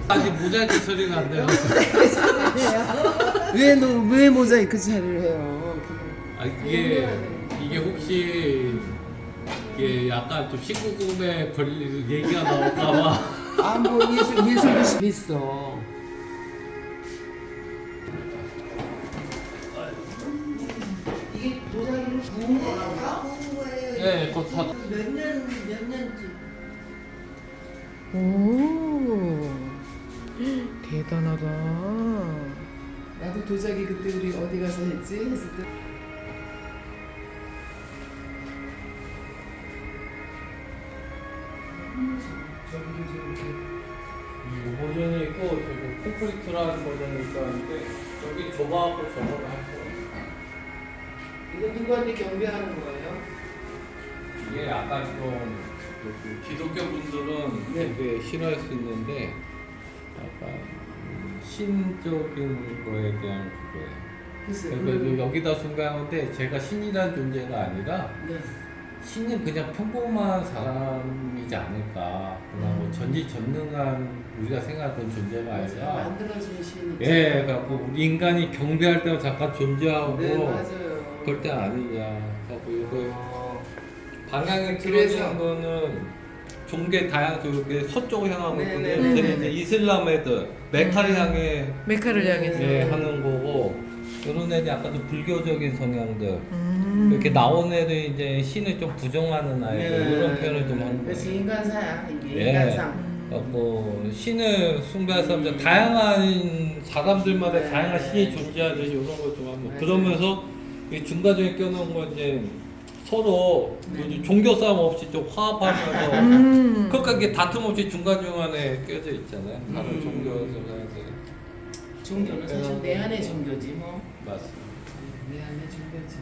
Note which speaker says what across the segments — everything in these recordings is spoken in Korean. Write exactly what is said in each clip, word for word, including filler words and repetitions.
Speaker 1: 아직 모자이크 처리가 안 돼요.
Speaker 2: 왜, 너, 왜 모자이크 처리를 해요?
Speaker 1: 아, 이게 이게 혹시 이게 약간 좀 십구 금에 걸릴 얘기가 나올까봐.
Speaker 2: 아, 뭐 예술, 예술도 있어. 이게 도자기를 구운 거란가?
Speaker 3: 구운 거예요.
Speaker 1: 네, 그거 다.
Speaker 3: 몇 년, 몇 년쯤.
Speaker 2: 오, 대단하다. 나도 도자기 그때 우리 어디 가서 했지? 했을 때. 저기도 저렇게.
Speaker 1: 이 버전이 있고 저기 콘크리트라는 버전이 있었는데 여기 좁아갖고 저거를 할 거예요.
Speaker 2: 이거 누구한테 경배하는 거예요?
Speaker 1: 이게 약간 좀 그 기독교 분들은
Speaker 2: 네.
Speaker 1: 되게 싫어할 수 있는데 약간 신적인 거에 대한 그거예요.
Speaker 2: 글쎄,
Speaker 1: 그래서
Speaker 2: 그건-
Speaker 1: 여기다 순간인데 제가 신이라는 존재가 아니라
Speaker 2: 네.
Speaker 1: 신은 그냥 평범한 사람이지 않을까. 그냥 뭐 전지전능한 우리가 생각하던 존재가
Speaker 2: 제가
Speaker 1: 아니라.
Speaker 2: 만들어진 신이.
Speaker 1: 예, 그래갖고 우리 인간이 경배할 때만 잠깐 존재하고
Speaker 2: 네, 맞아요.
Speaker 1: 그럴 때 아니냐. 그래갖고 이거
Speaker 2: 어,
Speaker 1: 방향이
Speaker 2: 그래서-
Speaker 1: 틀어진 거는 종교 다양 쪽에 서쪽을 향하고
Speaker 2: 네,
Speaker 1: 있거든요.
Speaker 2: 네,
Speaker 1: 저는
Speaker 2: 네,
Speaker 1: 이제
Speaker 2: 네.
Speaker 1: 이슬람 애들 메카를 향해
Speaker 4: 메카를 향해서.
Speaker 1: 예, 하는 거고 이런 애들 약간 좀 불교적인 성향들.
Speaker 4: 음.
Speaker 1: 이렇게 나온 애들 이제 신을 좀 부정하는 아이들 이런 표현을 좀 하는
Speaker 2: 그래서
Speaker 1: 거예요.
Speaker 2: 인간사야 이게
Speaker 1: 예.
Speaker 2: 인간상.
Speaker 1: 뭐 신을 숭배하는 사람들 다양한 사람들마다
Speaker 2: 네.
Speaker 1: 다양한 신이 존재하듯이 이런 거 좀 하면
Speaker 2: 맞아요.
Speaker 1: 그러면서 이 중간중에 껴놓은 건 이제 서로
Speaker 2: 네.
Speaker 1: 요즘 종교 싸움 없이 좀 화합하면서
Speaker 4: 음.
Speaker 1: 그러니까 이게 다툼 없이 중간중간에 껴져 있잖아요. 다른
Speaker 2: 음.
Speaker 1: 종교 사람들
Speaker 2: 종교는 사실 내 안의 종교지 뭐.
Speaker 1: 맞습니다.
Speaker 2: 내 안의 종교지.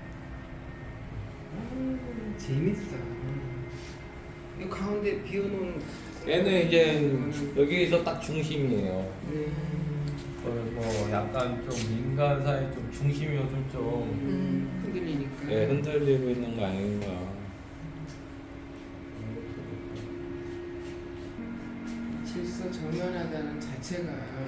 Speaker 2: 아, 재밌어. 이 가운데 비워놓은.
Speaker 1: 얘는 이제 여기서 딱 중심이에요.
Speaker 2: 음,
Speaker 1: 그래서 뭐 약간 좀 인간사의 좀 중심이 요즘 좀
Speaker 2: 음, 흔들리니까.
Speaker 1: 예, 흔들리고 있는 거 아닌가.
Speaker 2: 질서 정연하다는 자체가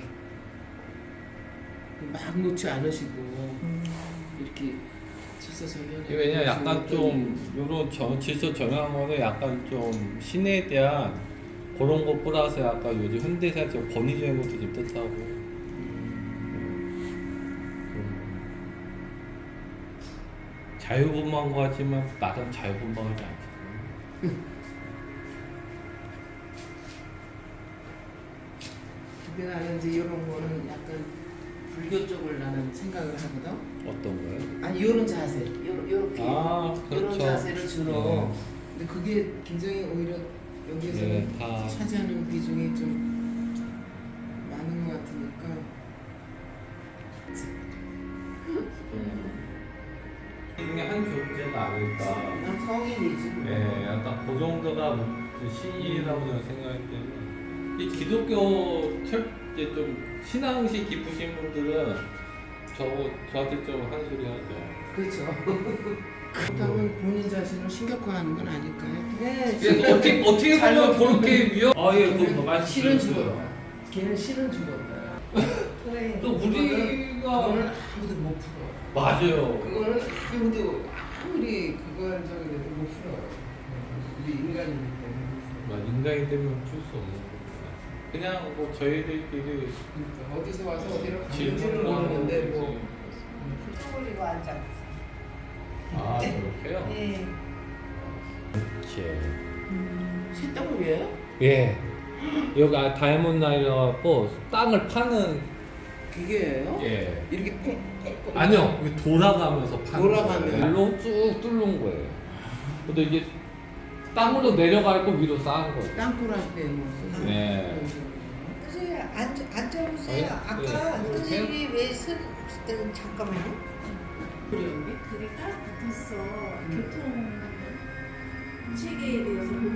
Speaker 2: 막 놓지 않으시고 이렇게 질서 정연해.
Speaker 1: 이게 왜냐 약간 좀 요런 저, 질서 정한 거는 약간 좀 신에 대한 그런 거 플러스 약간 요즘 현대사 좀 권위적인 것도 좀 뜻하고 음, 자유분방한 것 같지만 나름 자유분방하지 않잖아요.
Speaker 2: 근데 나는 이제 이런 거는 약간 불교 쪽을 나는 생각을 하거든.
Speaker 1: 어떤 거예요?
Speaker 2: 아니 이런 자세, 요런 요렇게
Speaker 1: 아,
Speaker 2: 이런
Speaker 1: 그렇죠.
Speaker 2: 자세를 주로. 근데 그게 굉장히 오히려 여기에서
Speaker 1: 네, 다-
Speaker 2: 차지하는 비중이 좀 많은 것 같으니까.
Speaker 1: 중에 한 존재가 아닐까.
Speaker 2: 난 성인이지.
Speaker 1: 예, 약간 그 정도가 신이라고 저는 생각하기 때문에 이 기독교 철 이제 좀 신앙시 깊으신 분들은 저 저한테 좀 한 소리 하죠.
Speaker 2: 그렇죠. 그렇다면 본인 자신을 신격화하는 건 아닐까요?
Speaker 3: 네.
Speaker 1: 그래서 어떻게 어떻게
Speaker 2: 잘
Speaker 1: 보면
Speaker 2: 먹고.
Speaker 1: 그렇게 위험. 아 예, 그
Speaker 2: 걔는
Speaker 1: 말씀
Speaker 2: 실은
Speaker 1: 주셨어요.
Speaker 2: 죽었다. 걔는 실은 죽었다.
Speaker 3: 왜?
Speaker 1: 또 우리가
Speaker 2: 그거는 아무도 못 풀어.
Speaker 1: 맞아요.
Speaker 2: 그거는 아무도 아무리 그거 한 적이 돼도 못 풀어. 우리 인간이기 때문에.
Speaker 1: 막 인간이 되면 풀 수 없는 거예요. 그냥 뭐 저희들끼리
Speaker 2: 그러니까 어디서 와서 어디로 가는지는
Speaker 1: 질문을 하는
Speaker 2: 모르는데
Speaker 1: 거지.
Speaker 2: 뭐.
Speaker 3: 술 올리고 앉아.
Speaker 1: 아 그렇게요?
Speaker 3: 네.
Speaker 1: 이렇게.
Speaker 2: 쇳덩어리예요?
Speaker 1: 예. 여기 아, 다이아몬드 나이라 갖고 땅을 파는
Speaker 2: 기계예요?
Speaker 1: 예.
Speaker 2: 이렇게 콩 콩.
Speaker 1: 아니요. 이게 돌아가면서 파는
Speaker 2: 돌아가면.
Speaker 1: 거예요. 일로 쭉 뚫는 거예요. 근데 이게 땅으로 내려갈 거 위로 쌓은 거예요.
Speaker 2: 땅굴 할 때 뭐. 쓰는
Speaker 1: 네.
Speaker 2: 그런 식으로.
Speaker 3: 선생님 앉아 앉아보세요.
Speaker 1: 네?
Speaker 3: 아까
Speaker 1: 네.
Speaker 3: 선생님이 왜 쓴? 음, 잠깐만요.
Speaker 2: 그래 여기?
Speaker 5: 그게 딱 붙었어. 교통 체계에 대해서